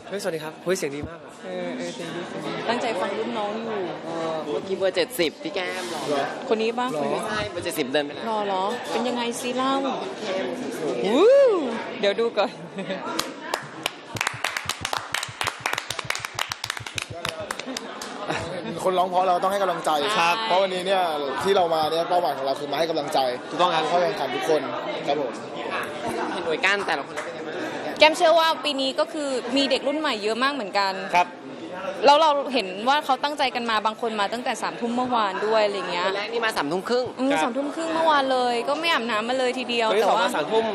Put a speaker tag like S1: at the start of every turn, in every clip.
S1: เฮ้ยสวัสดีครับเฮ้ยเสียงดีมากอ่ะ
S2: เสียงดีตั้งใจฟังรุ่นน้องอยู่
S3: เมื่อกี้เบอร์70พี่แก้มหรอ
S2: คนนี้ป่ะ
S3: ไม่ใช่เบอร์70เดินไปแล้ว
S2: หรอเป็นยังไงซีเล่าเดี๋ยวดูก่อน
S4: คนร้องเพราะเราต้องให้กำลังใจ
S1: ครับ
S4: เพราะวันนี้เนี่ยที่เรามาเนี่ยเป้าหมายของเราคือมาให้กำลังใจ
S1: ถูกต้องครับ
S4: เข้าแข่งขันทุกคนครับผม
S3: เห็นหน่วยก้านแต่ละคนเป็นยังไงบ้าง
S2: แกมเชื่อว่าปีนี้ก็คือมีเด็กรุ่นใหม่เยอะมากเหมือนกัน
S1: ครับ
S2: แล้วเราเห็นว่าเขาตั้งใจกันมาบางคนมาตั้งแต่3 ทุ่มเมื่อวานด้วยอะไรเงี้ย
S3: คนแรกนี่มา3 ทุ่มครึ่ง
S2: 3 ทุ่มครึ่งเมื่อวานเลยก็ไม่อาบน้ำมาเลยทีเดียว
S1: แต่ว่า3 ทุ่ม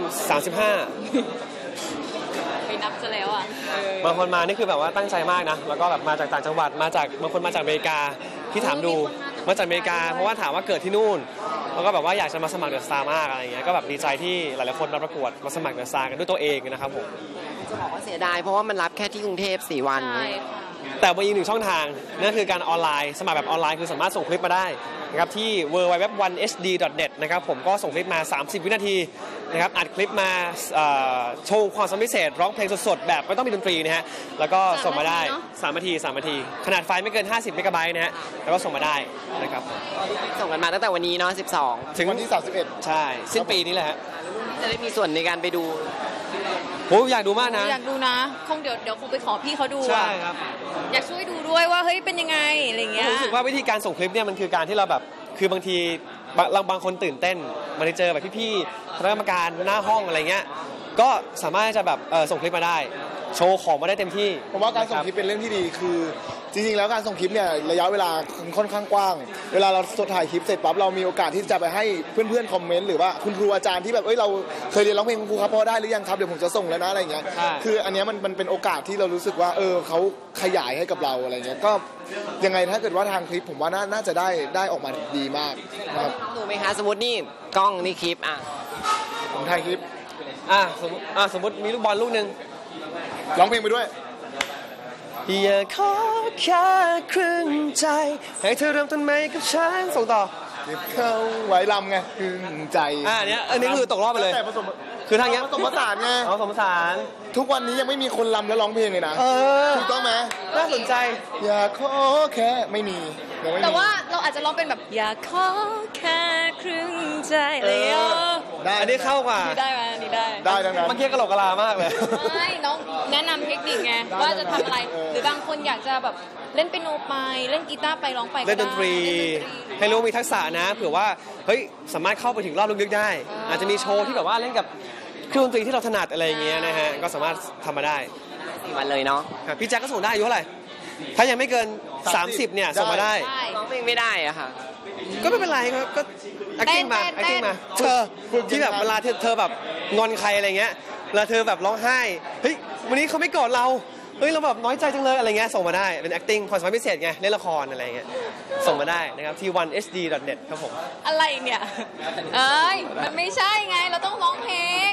S2: ไปนับซะแล้วอ่ะ
S1: บางคนมานี่คือแบบว่าตั้งใจมากนะแล้วก็แบบมาจากต่างจังหวัดมาจากบางคนมาจากอเมริกาที่ถามดูมาจากอเมริกาเพราะว่าถามว่าเกิดที่นู่นแล้วก็แบบว่าอยากจะมาสมัครเดอะสตาร์มากอะไรเงี้ยก็แบบดีใจที่หลายๆคนมาประกวดมาสมัครเดอะสตาร์กันด้วยตัวเองนะครับผม
S3: จะบอกว่าเสียดายเพราะว่ามันรับแค่ที่กรุงเทพ4 วัน
S1: แต่มีอีก1 ช่องทางนั่นคือการออนไลน์สมัครแบบออนไลน์คือสามารถส่งคลิปมาได้นะครับที่ www.1hd.net นะครับผมก็ส่งคลิปมา30 วินาทีนะครับอัดคลิปมาโชว์ความสามารถพิเศษร้องเพลงสดๆแบบไม่ต้องมีดนตรีนะฮะแล้วก็ส่งมาได้3 นาทีขนาดไฟล์ไม่เกิน50 เมกะไบต์นะฮะแล้วก็ส่งมาได้นะครับ
S3: ส่งกันมาตั้งแต่วันนี้เนาะ12
S4: ถึงวันที่31
S1: ใช่สิ้นปีนี้แหละฮะ
S3: จะได้มีส่วนในการไปดู
S1: โหอยากดูมากนะ
S2: อยากดูนะคงเดี๋ยวคงไปขอพี่เขาดู
S1: ใช่ครับ
S2: อยากช่วยดูด้วยว่าเฮ้ยเป็นยังไงอะไรเงี้ย
S1: รู้สึกว่าวิธีการส่งคลิปเนี่ยมันคือการที่เราแบบคือบางทีบางคนตื่นเต้นมาได้เจอแบบพี่ๆคณะกรรมการหน้าห้องอะไรเงี้ยก็สามารถจะแบบส่งคลิปมาได้โชว์ของมาได้เต็มที่
S4: ผมว่าการส่งคลิปเป็นเรื่องที่ดีคือจริงๆแล้วการส่งคลิปเนี่ยระยะเวลาค่อนข้างกว้างเวลาเราถ่ายคลิปเสร็จปั๊บเรามีโอกาสที่จะไปให้เพื่อนๆคอมเมนต์หรือว่าคุณครูอาจารย์ที่แบบเราเคยเรียนร้องเพลงคุณครูครับพอได้หรือยังครับเดี๋ยวผมจะส่งแล้วนะอะไรเงี้ยคืออันนี้มันเป็นโอกาสที่เรารู้สึกว่าเขาขยายให้กับเราอะไรเงี้ยก็ยังไงถ้าเกิดว่าทางคลิปผมว่าน่าจะได้ออกมาดีมากนะครับ
S3: ดูไหมคะสมมตินี่กล้องนี่คลิป
S4: ผมถ่ายคลิป
S1: สมมติมีลูกบอลลูกนึง
S4: ร้องเพลงไปด้วย
S1: อย่าขอแค่ครึ่งใจให้เธอเริ่มต้นใหม่กับฉันส่งต่อ
S4: เก็บเข้าไว้ลำไงครึ่งใจ
S1: อันนี้คือตกรอบไปเลยคือทางนี้
S4: ผสมผสานไง
S1: ผสมผสาน
S4: ทุกวันนี้ยังไม่มีคนลำแล้วร้องเพลงเลยนะถูกต้องไหม
S1: น่าสนใจ
S4: อย่าขอแค่ไม่มี
S2: แต่ว่าเราอาจจะร้องเป็นแบบอย่าขอแค่ครึ่งใจอะไรอย่างเงี้ย
S1: อันนี้เข้ากว่า
S2: ได้ไหมนี่
S4: ได้ทั้งนั้น
S1: เมื่อกี้กระโหลกกะลามากเลย
S2: ไม่น้องแนะนำเทคนิคไงว่าจะทำอะไรหรือบางคนอยากจะแบบเล่นเปียโนไปเล่นกีตาร์ไปร้องไป
S1: เล่นดนตรีให้รู้มีทักษะนะเผื่อว่าเฮ้ยสามารถเข้าไปถึงรอบลึกๆได้อาจจะมีโชว์ที่แบบว่าเล่นกับเครื่องดนตรีที่เราถนัดอะไรอย่างเงี้ยนะฮะก็สามารถทำมาได้
S3: 4 วันเลยเนาะ
S1: พี่แจ็คก็ส่งได้อายุเท่าไหร่ถ้ายังไม่เกิน30เนี่ยส่งมาได้
S3: ร้องเพลงไม่ได้อะค่ะ
S1: ก็ไม่เป็นไรก็ acting มาเธอที่แบบเวลาเธอแบบงอนใครอะไรเงี้ยเวลาเธอแบบร้องไห้เฮ้ยวันนี้เขาไม่กอดเราเฮ้ยเราแบบน้อยใจจังเลยอะไรเงี้ยส่งมาได้เป็น acting ความสามารถพิเศษไงเล่นละครอะไรเงี้ยส่งมาได้นะครับที่ 1hd.net ครับผม
S2: อะไรเนี่ยมันไม่ใช่ไงเราต้องร้องเพลง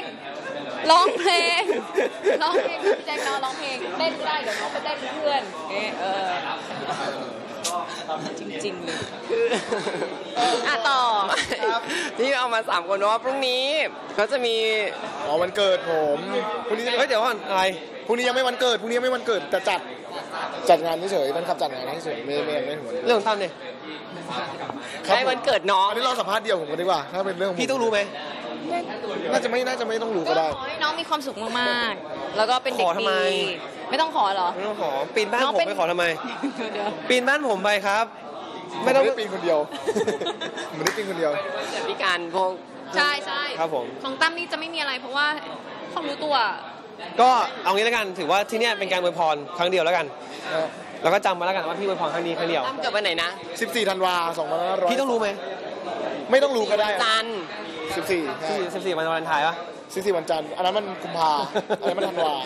S2: พี่แจ็คร้องเพลงเต้นได้เดี๋ยวน้องไปเต้นเพื่อนจริงๆเลย
S3: ต่อที่เอามา3 คนว่าพรุ่งนี้เขาจะมี
S4: วันเกิดผมพรุ่งนี้
S1: เดี๋ยวก่อนอะไร
S4: พรุ่งนี้ยังไม่วันเกิดแต่จัดงานเฉยๆมันขับจัดงานเฉยๆไม่หัว
S1: เรื่องตั้มเนี่ย
S3: ใช่วันเกิดน้อง
S4: อันนี้เราสัมภาษณ์เดียวผมกันดีกว่าถ้าเป็นเรื่อง
S1: พี่ต้องรู้ไหม
S4: น่าจะไม่ต้องรู้ก็ได้
S2: ขอให้น้องมีความสุขมากๆแล้วก็เป็นเด็กดีไม่ต้องขอเหรอ
S1: ไม่ต้องขอปีนบ้านผมไปขอทำไมปีนบ้านผมไปครับ
S4: ไม่ต้องปีนคนเดียวไม่ได้ปีนคนเดียว
S3: พิการพวก
S2: ใช่
S1: ครับผม
S2: ของตั้มนี่จะไม่มีอะไรเพราะว่าเขารู้ตัว
S1: ก็เอางี้แล้วกันถือว่าที่นี่เป็นการอวยพรครั้งเดียวแล้วกันแล้วก็จำมาแล้วกันว่าพี่อวยพรครั้งนี้ครั้งเดียว
S3: ตั้มเกิดวันไหนนะ
S4: 14 ธันวาคม 2500
S1: พี่ต้องรู้ไหม
S4: ไม่ต้องรู้ก็ได้
S3: จันทร์
S1: 14วันวาเลนไทน์ป่ะ
S4: 14วันจันทร์อันนั้นมันกุมภาอันนั้นมันธันวา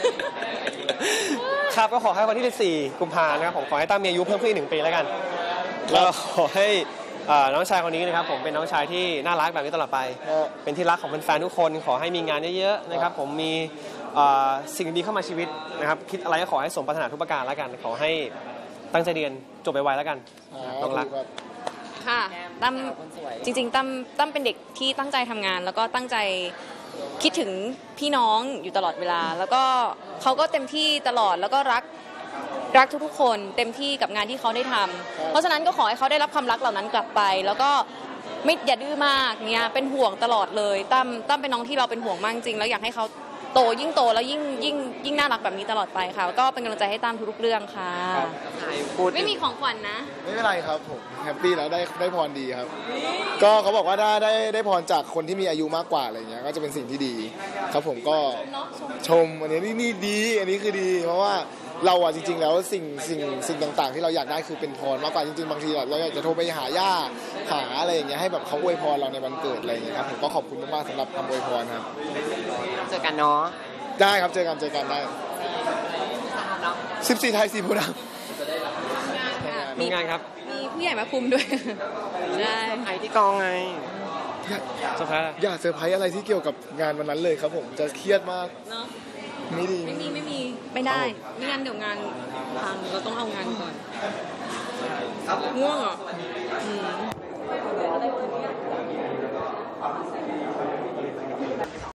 S1: ครับก็ขอให้วันที่14กุมภานะครับผมขอให้ตั้มมีอายุเพิ่มขึ้นอีก1 ปีแล้วกันแล้วขอให้น้องชายคนนี้นะครับผมเป็นน้องชายที่น่ารักแบบนี้ตลอดไปเป็นที่รักของแฟนๆทุกคนขอให้มีงานเยอะๆนะครับผมมีสิ่งดีเข้ามาชีวิตนะครับคิดอะไรก็ขอให้สมปรารถนาทุกประการแล้วกันขอให้ตั้งใจเรียนจบไวๆแล้วกันน้องรัก
S2: ค่ะตั้มจริงๆตั้มเป็นเด็กที่ตั้งใจทำงานแล้วก็ตั้งใจคิดถึงพี่น้องอยู่ตลอดเวลาแล้วก็เขาก็เต็มที่ตลอดแล้วก็รักทุกๆคนเต็มที่กับงานที่เขาได้ทำเพราะฉะนั้นก็ขอให้เขาได้รับความรักเหล่านั้นกลับไปแล้วก็ไม่อย่าดื้อมากเนี่ยเป็นห่วงตลอดเลยตั้มเป็นน้องที่เราเป็นห่วงมากจริงแล้วอยากให้เขาโตยิ่งโตแล้วยิ่งน่ารักแบบนี้ตลอดไปค่ะก็เป็นกำลังใจให้ตั้มทุกๆเรื่องค่ะไม่มีของขวัญนะ
S4: ไม่เป็นไรครับผมแฮปปี้แล้วได้พรดีครับก็เขาบอกว่าได้พรจากคนที่มีอายุมากกว่าอะไรเงี้ยก็จะเป็นสิ่งที่ดีครับผมก็ชมอันนี้นี่ดีอันนี้คือดีเพราะว่าเราอะจริงๆแล้วสิ่งต่างๆที่เราอยากได้คือเป็นพรมากกว่าจริงๆบางทีเราอยากจะโทรไปหาย่าหาอะไรอย่างเงี้ยให้แบบเขาอวยพรเราในวันเกิดอะไรอย่างเงี้ยครับผมก็ขอบคุณมากๆสำหรับคำอวยพรครับ
S3: เจอกันเนาะ
S4: ได้ครับเจอกันได้14 ไทย4 โพธิ์ด
S1: ำมีงานครับ
S2: มีผู้ใหญ่มาคุมด้วยใช่
S3: ไอที่กองไง
S1: เซอร์ไพรส์
S4: อย่าเซอร์ไพรส์อะไรที่เกี่ยวกับงานวันนั้นเลยครับผมจะเครียดมาก
S2: เนาะ
S4: ไม่ดี
S2: ไม่มีไม่ได้ไม่งั้นเดี๋ยวงานพังเราต้องเอางานก่อนง่วงเหรอ